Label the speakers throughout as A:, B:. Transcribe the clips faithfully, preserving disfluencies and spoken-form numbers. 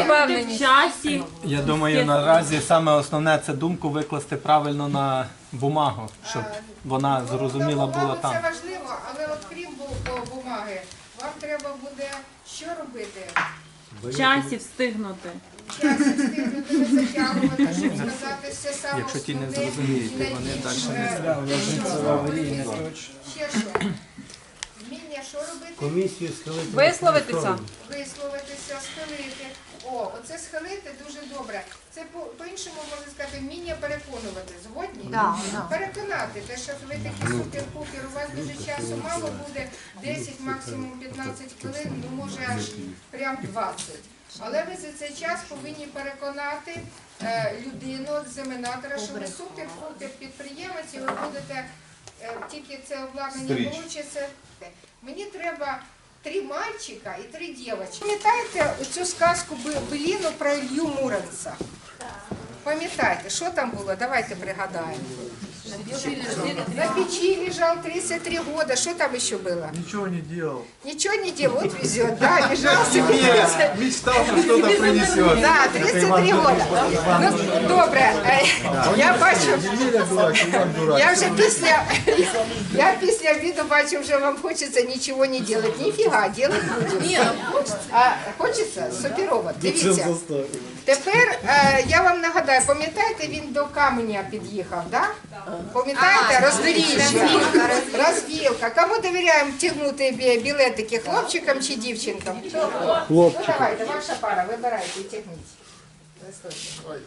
A: в часі.
B: Я думаю, наразі саме основне це думку викласти правильно на бумагу, щоб вона зрозуміла була там.
C: Це важливо, але от крім бу- бумаги, вам треба буде що робити?
A: В часі встигнути.
C: Час встигнути, не затягувати, щоб сказати все саме
B: Якщо ті не
C: основне,
B: зрозуміють,
C: і
B: вони
C: найбільш,
B: далі не
C: е,
B: зроблять.
C: Ще що? Вміння що робити?
D: Комісію схилити.
A: Висловитися.
C: Висловитися, схилити. О, оце схилити дуже добре. Це по- по-іншому можна сказати, вміння переконувати. Згодні?
E: Да, да.
C: Переконати. Те, що ви такі супер-пупер, у вас дуже часу мало буде, десять, максимум п'ятнадцять хвилин, ну може аж прям двадцять. Але ви за цей час повинні переконати е, людину, екзаменатора, що ви супер-пупер підприємець і ви будете, е, тільки це обладнання вийде. Мені треба три мальчика і три дівчинки. Пам'ятаєте цю сказку Беліну про Ілью Муромця? Пам'ятаєте, що там було? Давайте пригадаємо. На печи лежал тридцать три года. Что там еще было?
D: Ничего не делал.
C: Ничего не делал. Вот везет, да, лежал себе.
D: Мечтал, что что-то принесет.
C: Да, тридцать три года. Ну, добре. Е, Я бачу,
D: Юля дурак, Иван дурак.
C: я вже після, я після обіду бачу, вже вам хочеться нічого не делать. Ніфіга, делать будемо. А хочеться? Суперово. Дивіться. Тепер е, я вам нагадаю, пам'ятаєте, він до каменя під'їхав, да? Пам'ятаєте, роздоріжжя, розвілка. Кому довіряємо тягнути бі- білетики, хлопчикам чи дівчинкам? Хлопчикам. Ну давайте, ваша пара, вибирайте і тягніть. Листочок.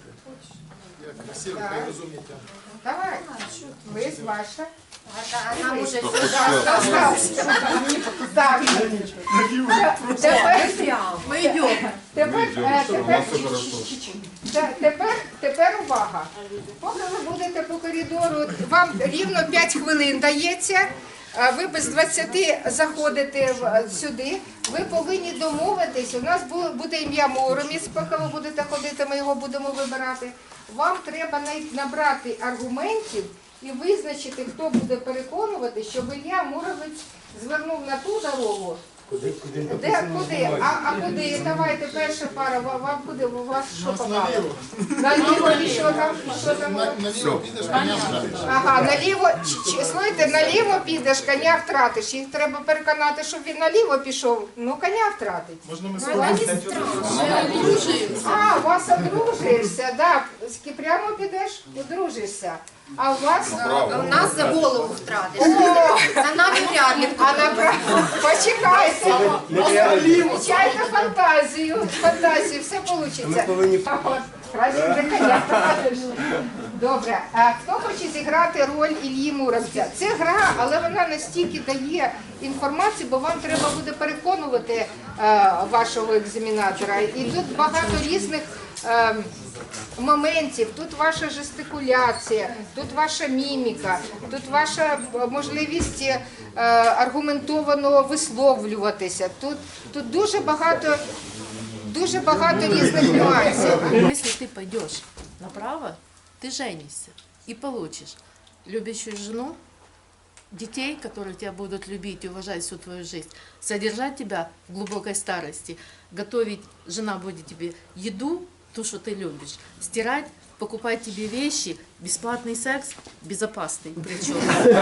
C: Давай, ви ваша.
E: Нам уже
C: Так. Тепер,
E: мы идем.
C: тепер, е, тепер, Те- тепер, тепер увага. Поки ви будете по коридору, вам рівно п'ять хвилин дається, а ви без двадцяти заходите в- сюди, ви повинні домовитись, у нас бу- буде ім'я Муромець, поки ви будете ходити, ми його будемо вибирати. Вам треба най- набрати аргументів і визначити, хто буде переконувати, щоб Ілля Муромець звернув на ту дорогу. Де, куди? А, а куди? Давайте, перша пара, вам, вам куди? У вас що попало? Наліво і що там? Що там? Ага, наліво, ч- ч- слухайте, наліво підеш, коня втратиш. Їх треба переконати, щоб він наліво пішов. Ну, коня втратить. Можна ми А, у вас одружишся, да. З- Прямо підеш, одружишся. А у вас?
E: У нас за голову втратиш.
C: О,
E: За нами вряд ли.
C: а направо, почекайте. Включайте фантазію, фантазію, все вийде. Добре, а хто хоче зіграти роль Іллі Муромця? Це гра, але вона настільки дає інформацію, бо вам треба буде переконувати е, вашого екзаменатора. І тут багато різних е, моментів. Тут ваша жестикуляція, тут ваша міміка, тут ваша можливість е, аргументовано висловлюватися. Тут, тут дуже багато, дуже багато різних нюансів.
F: Если ты пойдешь направо, ты женишься и получишь любящую жену, детей, которые тебя будут любить и уважать всю твою жизнь, содержать тебя в глубокой старости, готовить, жена будет тебе еду, ту, что ты любишь, стирать, покупать тебе вещи, бесплатный секс, безопасный причем.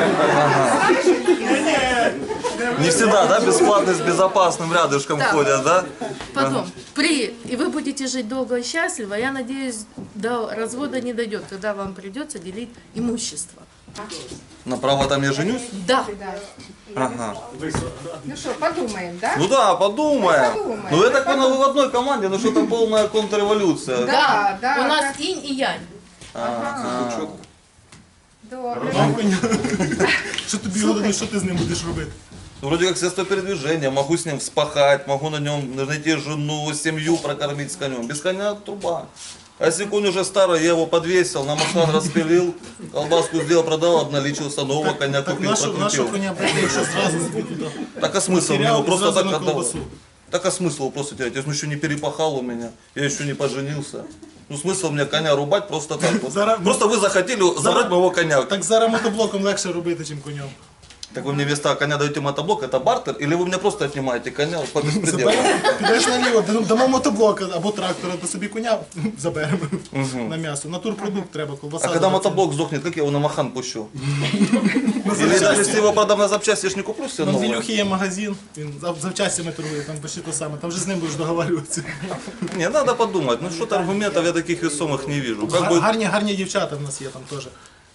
G: Не всегда, да, бесплатно с безопасным рядышком
F: Да.
G: ходят, да?
F: Потом, при, и вы будете жить долго и счастливо, я надеюсь, до развода не дойдет, когда вам придется делить имущество.
G: Направо там я женюсь?
F: Да.
G: Ага.
C: Ну що, подумаємо, так?
G: Ну да, подумаем.
C: Подумаем.
G: Ну я так понял, вы в одной команде, ну что там полная контрреволюция.
C: Да, да,
F: У нас
C: так.
F: инь и янь.
G: Ага.
C: Добре.
D: Що тобі головне, що ти з ним будеш робити?
G: Ну, вроде как средство передвижения, могу с ним вспахать, могу на нем найти жену, семью прокормить с конем. Без коня труба. А если конь уже старый, я его подвесил, на маслан распилил, колбаску сделал, продал, обналичился, нового коня
D: Так
G: купил,
D: нашу, нашу
G: прокрутил.
D: коня прийти, якщо зразу собі туди.
G: Так а смысл мне
D: Потерял
G: его
D: и
G: просто
D: сразу
G: так
D: на
G: отдавать?
D: колбасу.
G: Так а смысл его просто терять? Я еще не перепахал у меня, я еще не поженился. Ну смысл мне коня рубать просто так вот.
D: Зараз-
G: Просто вы захотели забрать моего коня.
D: Так зараз мотоблоком легше робити, ніж конем.
G: Так вы мне вместо коня даете мотоблок, это бартер, или вы мне просто отнимаете коня по беспределу?
D: Підеш наліво, дамо мотоблок або трактора, то собі коня заберемо на м'ясо. Натурпродукт треба, колбаса.
G: А когда
D: дорога.
G: мотоблок сдохнет, как я его на махан пущу? Или даже если его продам на запчасти, я ж не куплю все
D: Там в
G: новое.
D: Ілюхи є магазин, він зав- завчастями торгує, там почти то саме. Там вже з ним будеш договарюватися.
G: Не, надо подумать, ну что-то аргументов я таких весомых не вижу. Как
D: Гар-
G: бы,
D: Гарні, гарні дівчата в нас є там теж.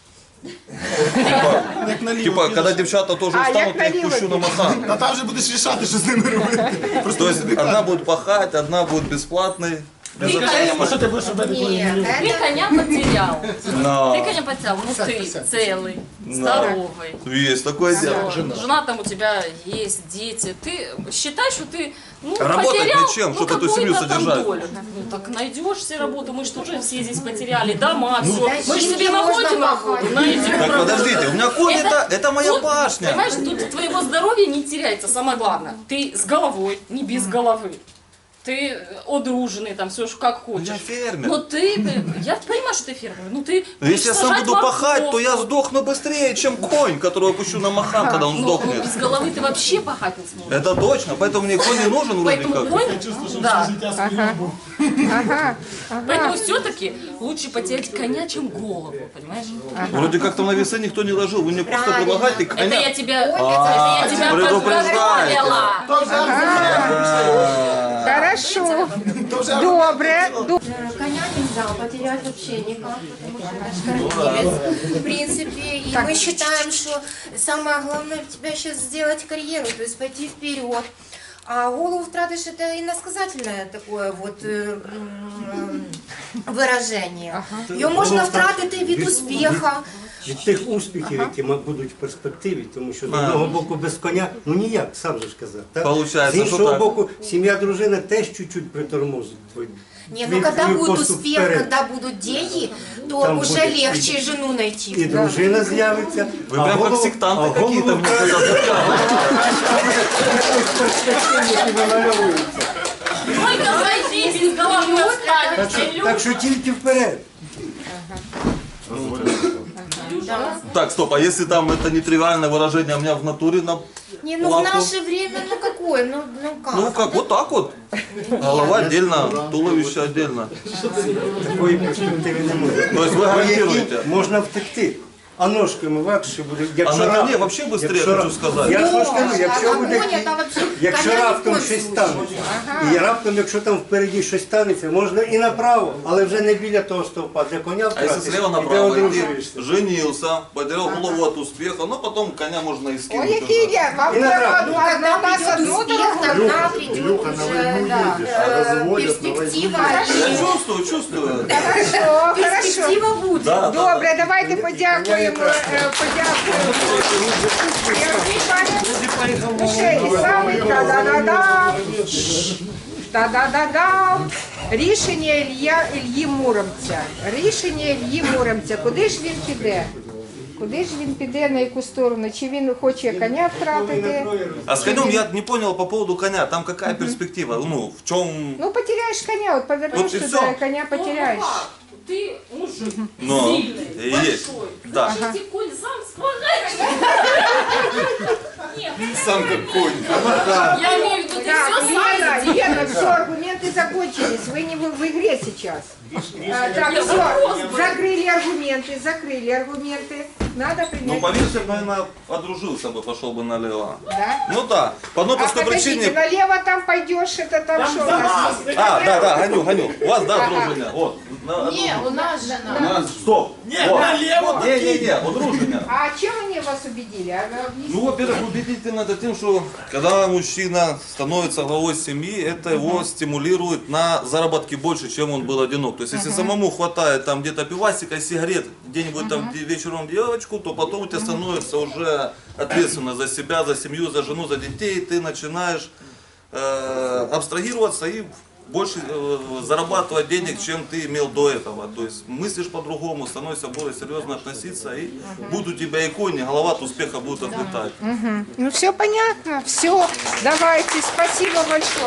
D: Як наліво.
G: типа,
D: підеш.
G: когда девчата тоже
C: А,
G: устанут,
C: як
G: я их
C: наліво
G: пущу на махан.
D: А там вже будеш рішати, що з ними робити. Просто
G: То
D: не
G: есть
D: собі
G: одна
D: кажуть.
G: будет пахать, одна будет бесплатной. Без
A: Ты,
G: общения.
D: Скажи, що ти будеш робити, коли
E: Ні,
D: не
A: ты
E: це
A: коня потерял.
G: Но.
A: Ты коня потерял, ну ты целый, здоровый.
G: Есть такое дело.
A: Всё, жена там у тебя есть, дети. Ты считай, что ты ну,
G: Работать
A: потерял
G: ничем,
A: ну,
G: чтобы эту семью
A: какую-то там
G: содержать.
A: долю. Ну так найдешь себе работу, мы же тоже все здесь потеряли, дома, все. Мы же
E: зачем
A: себе находим
E: можно
A: работу, найдем.
G: Так подождите, у меня конь это, это моя
A: тут,
G: пашня.
A: Понимаешь, тут твоего здоровья не теряется, самое главное. Ты с головой, не без головы. Ты одруженный, там все как хочешь.
G: Я фермер.
A: Но ты, я понимаю, что ты фермер, но ты
G: Но если я сам
A: сажать
G: буду пахать, то я
A: морковку.
G: сдохну быстрее, чем конь, которого пущу на махан, когда он
A: Ну,
G: сдохнет.
A: без головы ты вообще пахать не сможешь.
G: Это точно, поэтому мне конь не нужен вроде
A: Поэтому
G: как.
A: конь, да.
D: Життя своє був.
A: Поэтому все-таки лучше потерять коня, чем голову, понимаешь?
G: Вроде как там на весы никто не ложил, вы мне просто
E: Правильно.
G: предлагаете
A: Это
G: коня.
A: я тебя,
G: А,
A: это я тебя
G: предупреждаете.
A: подготовила.
C: Хорошо. Добре. Ду-
E: коня нельзя потерять вообще никак, потому что наш кормилец, в принципе, и мы считаем, что самое главное у тебя сейчас сделать карьеру, то есть пойти вперед. А голову втратишь, это иносказательное такое вот э, м, выражение. Ее можно втратити від успіха.
H: Від тих успіхів, які ма- будуть в перспективі, тому що з одного боку без коня, ну ніяк, сам же ж казав. Так?
G: Получається,
H: з
G: що
H: іншого
G: так.
H: боку, сім'я, дружина теж чуть-чуть притормозить. твій-
E: Не, ну
H: твій-
E: когда
H: твій
E: будет
H: поступ
E: успех,
H: вперед.
E: когда будут деньги, то
H: Там
E: уже
H: будет
E: легче жену найти.
H: І дружина з'явиться.
G: Вы прям как сектанты какие-то мне когда
A: Только зайди, без головы
H: Так
A: останешься.
H: що, так що тільки вперед.
G: Так, стоп, а если там это нетривиальное выражение, а у меня в натуре на
E: Не, ну в
G: лапу?
E: наше время, ну какое, ну, ну как?
G: Ну как, вот так вот. Голова отдельно, туловище отдельно.
H: Такої перспективи не може.
G: То есть вы
H: По
G: гарантируете?
H: якій можна втекти. А ножками легше буде. Якщо
G: А на коне
H: раптом-
G: вообще быстрее,
H: якщо
G: хочу
H: рап-
G: сказать.
H: Я ж вам скажу,
E: А
H: якщо буде
E: коня там вообще
H: Якщо
E: коня ні в
H: раптом
E: коем
H: щось
E: случае.
H: станеться, і раптом, якщо там впереді щось станеться, можна і направо, але вже не біля того стовпа, де коня
G: А если
H: втратиш,
G: слева
H: і де
G: направо идти,
H: одружуєшся.
G: женился, потерял голову от успеха, но потом коня можно и
C: Ой,
G: скинуть
C: який
G: уже.
C: я, вам
H: І на
C: треба
H: трактор.
C: одну, одна нас
E: Придет
C: одну
E: успех,
C: дорогу.
E: тогда придет уже да, э, перспектива.
G: Я чувствую, чувствую.
C: Хорошо, хорошо.
E: Перспектива будет.
G: Да, да, да.
C: Добре, давайте подякуємо, е, подякуємо. Сергій Іванович, ще і самий та-да-да-дам. Та-да-да-дам. Рішення Ілья, Ільї Муромця. Рішення Ільї Муромця. Куди ж він піде? Куди ж він піде, на яку сторону? Чи він хоче коня втратити?
G: А с конем я не понял по поводу коня, там какая перспектива? Ну, в чем...
C: Ну, потеряєш коня, от повернеш
G: Вот і
C: туди,
G: все.
C: коня потеряєш.
A: Ты мужик,
G: Но
A: сильный,
G: есть.
A: большой.
G: Да.
A: Значит, и конь сам справляется. Нет,
G: Сам как конь.
A: я имею в виду, ты
C: Так,
A: все
C: Лена,
A: сам
C: Лена, все, аргументы закончились. Вы не в, в игре сейчас. А, так,
A: Я
C: все,
A: вопрос был.
C: закрыли аргументы, закрыли аргументы. Надо
G: Ну,
C: принять.
G: поверьте, наверное, одружился бы, пошел бы налево.
C: Да?
G: Ну да, по одной
C: А
G: простой
C: подождите,
G: причине...
C: налево там пойдешь, это там что? у нас?
G: А, да, да, гоню, гоню. У вас, да, одружение? Вот. на-
F: Не, у нас жена.
G: Стоп. Не, налево. Не, не, не, одружение.
C: А чем они вас убедили? А, ну, объясните.
G: Ну, во-первых, убедительно это тем, что когда мужчина становится главой семьи, это его стимулирует на заработки больше, чем он был одинок. То есть, если самому хватает там где-то пивасика, сигарет, где-нибудь там де- вечером девочку, то потом у тебя становится уже ответственно за себя, за семью, за жену, за детей. Ты начинаешь э, абстрагироваться и больше э, зарабатывать денег, чем ты имел до этого. То есть мыслишь по-другому, становишься более серьезно относиться, и будут у тебя и кони, голова от успеха будет отлетать.
C: Ну все понятно, все. Давайте, спасибо большое.